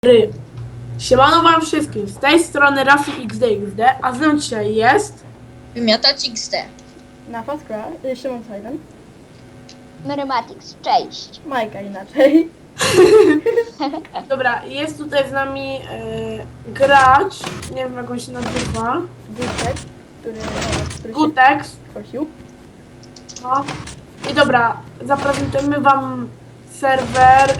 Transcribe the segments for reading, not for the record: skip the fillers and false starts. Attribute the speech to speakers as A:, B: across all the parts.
A: Siemano wam wszystkim, z tej strony Rafi XD, a z nami dzisiaj jest...
B: Wymiatać XD.
C: Na Faskra, Szymon Silent,
D: Merymatix, cześć.
C: Majka inaczej.
A: Dobra, jest tutaj z nami gracz, nie wiem jak on się nazywa,
C: Gutek, który się
A: Gutex.
C: prosił.
A: No. I dobra, zaprezentujemy wam serwer,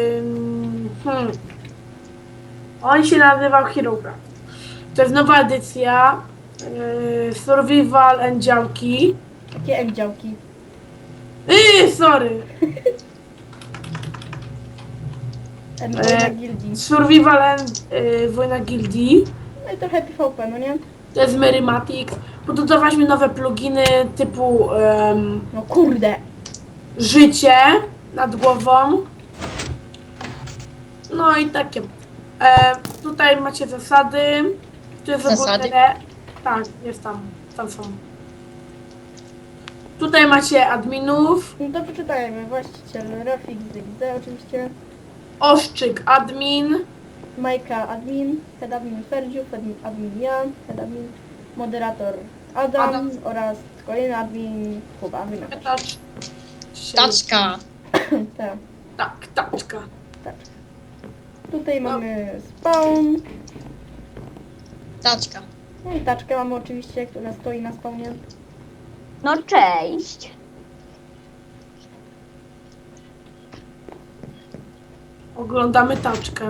A: on się nazywał HeroCraft. To jest nowa edycja, Survival and działki.
C: Takie M-działki.
A: Sorry.
C: M-wojna gildii.
A: Survival and Wojna Gildii.
C: No i trochę PvP, no nie?
A: To jest Merymatix. Pododawaliśmy nowe pluginy typu
C: No kurde.
A: życie nad głową. No i takie. Tutaj macie zasady. Tu jest
B: Zasady?
A: Tak, jest tam. Tam są. Tutaj macie adminów.
C: No to przeczytajmy. Właściciel Rafik ZXD oczywiście.
A: Oszczyk admin.
C: Majka admin, head admin Ferdziu, admin ja, head admin, moderator Adam. Oraz kolejny admin Kuba. Wymiatasz.
B: Taczka.
C: Tak,
A: Taczka.
C: tak. Tutaj mamy spawn.
B: Taczka.
C: No i taczkę mamy oczywiście, która stoi na spawnie.
D: No cześć.
A: Oglądamy taczkę.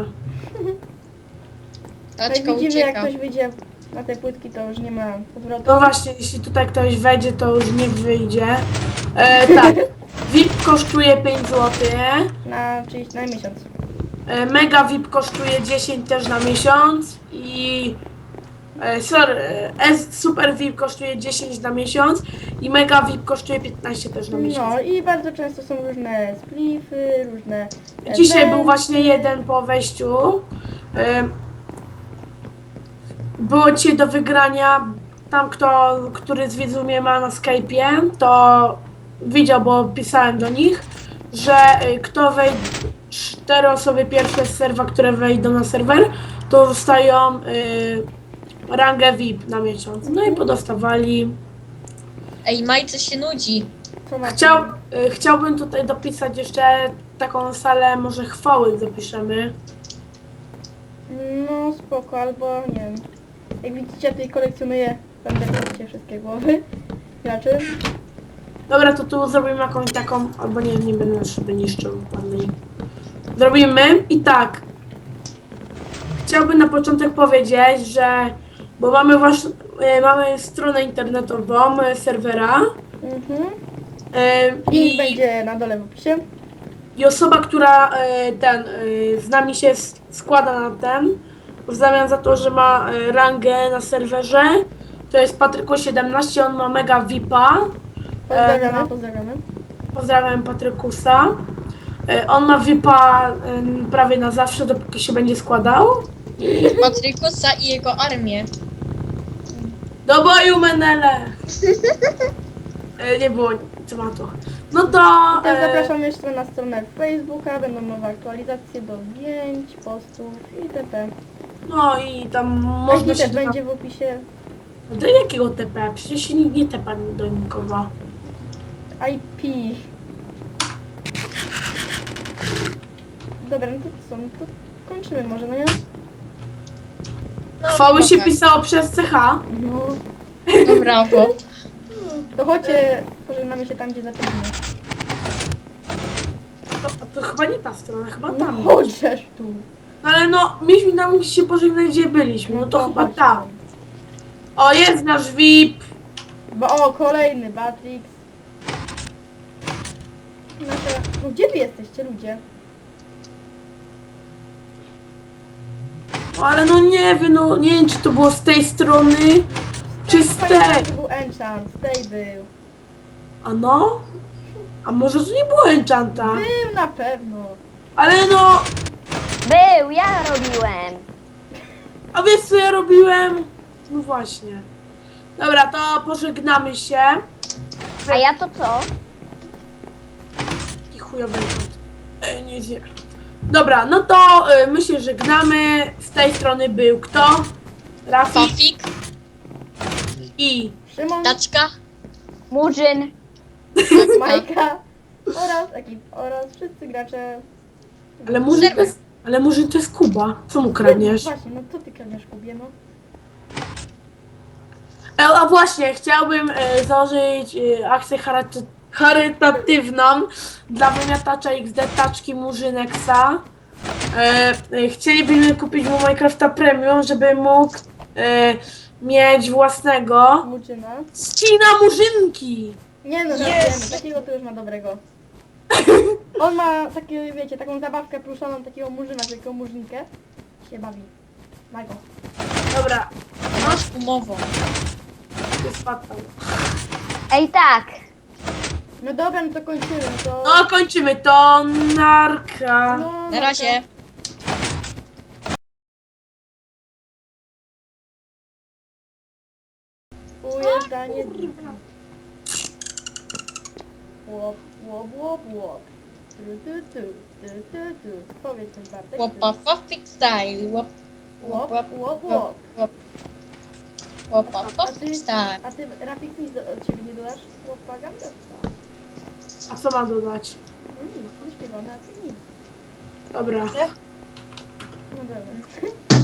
B: Taczka
C: Jak widzimy, jak
B: ucieka.
C: ktoś wyjdzie na te płytki, to już nie ma powrotu.
A: No właśnie, jeśli tutaj ktoś wejdzie, to już nie wyjdzie. Tak, VIP kosztuje 5 zł.
C: Czyli na miesiąc.
A: Mega VIP kosztuje 10 też na miesiąc i Super VIP kosztuje 10 na miesiąc i Mega VIP kosztuje 15 też na miesiąc.
C: No i bardzo często są różne splify, różne
A: Dzisiaj był
C: eventy.
A: właśnie jeden po wejściu. Było dzisiaj do wygrania. Tam który z widzów mnie ma na Skype'ie, to widział, bo pisałem do nich, że kto wejdzie, 4 osoby pierwsze z serwa, które wejdą na serwer, to dostają rangę VIP na miesiąc. No i podostawali.
B: Ej, Majce się nudzi.
C: Co ma
A: Chciałbym tutaj dopisać jeszcze taką salę, może chwały zapiszemy.
C: No spoko, albo nie wiem. Jak widzicie, tutaj kolekcjonuję będę wszystkie głowy graczy.
A: Dobra, to tu zrobimy jakąś taką, albo nie będę szyby niszczył ładniej. Zrobimy i tak. Chciałbym na początek powiedzieć, że bo mamy stronę internetową serwera
C: Link będzie na dole w opisie.
A: i osoba, która z nami się składa na w zamian za to, że ma rangę na serwerze, to jest Patryku17, on ma mega VIP-a.
C: Pozdrawiamy.
A: Pozdrawiam Patrykusa. On ma VIP-a prawie na zawsze, dopóki się będzie składał.
B: Patrykusa i jego armię.
A: Do boju, Menele! Nie było tematu. No to...
C: Teraz zapraszam jeszcze na stronę Facebooka, będą nowe aktualizacje do zdjęć, postów itp.
A: No i tam
C: Można
A: można się...
C: też będzie w opisie
A: Do jakiego TP? Przecież się nikt nie tepa do nikogo.
C: IP. Dobra, no to co? No to kończymy może, no nie?
B: No,
A: Chwały się
B: dobra.
A: pisało przez CH.
C: No.
B: No brawo.
C: To chodźcie, pożegnamy się tam, gdzie zaczęliśmy.
A: To chyba nie ta strona, chyba
C: No
A: tam.
C: chodźesz tu.
A: No ale no, mieliśmy tam się pożegnać, gdzie byliśmy. No to chyba
C: chodź
A: tam. O, jest nasz VIP.
C: Bo kolejny Batrix. No gdzie wy jesteście, ludzie?
A: No ale no nie wiem, no nie wiem, czy to było z tej strony, czy z tej.
C: To był enchant, tej był.
A: A no? A może to nie było enchanta?
C: Był na pewno.
A: Ale no,
D: Był, ja robiłem.
A: a wiesz co ja robiłem? No właśnie. Dobra, to pożegnamy się.
D: A ja to co?
A: Taki chujowy enchant. Nie zje. Dobra, no to my się żegnamy. Z tej strony był kto? Rafik
B: Fafik,
A: i
C: Szymon,
B: Taczka,
D: Murzyn.
C: Majka oraz wszyscy gracze.
A: ale Murzyn to jest Kuba. Co mu kradniesz?
C: Właśnie, no co ty kradniesz, Kubie, no?
A: A właśnie, chciałbym założyć akcję charytatywną dla wymiatacza XD Taczki Murzynexa. Chcielibyśmy kupić mu Minecrafta Premium, żeby mógł mieć własnego
C: Muczyna.
A: ścina Murzynki.
C: Nie no,
B: Yes!
C: żartujemy, takiego to już ma dobrego. On ma takie, wiecie, taką zabawkę pluszoną, takiego murzyna, taką murzynkę. Się bawi. Majko.
A: Dobra,
B: masz umową.
A: ty spadł tam.
D: Ej tak.
C: No dobra, no to kończymy, to...
A: No kończymy to, narka.
C: No,
B: Na razie.
C: Ujeżdżanie drift. Łop, łop, łop, łop. Tu. Powiedz coś, Bartek.
B: Łopa, Fafik style. Łop,
C: Łop,
B: łop,
C: łop,
B: łop,
C: łop.
B: łop. Łopa,
C: A
B: Fafik
C: ty,
B: style.
C: a ty, Rafik, nic od ciebie nie dodasz? Łopa,
A: A co ma dodać?
C: No nic, nie śpiewamy, a ty nic.
A: Dobra.
C: No dobra.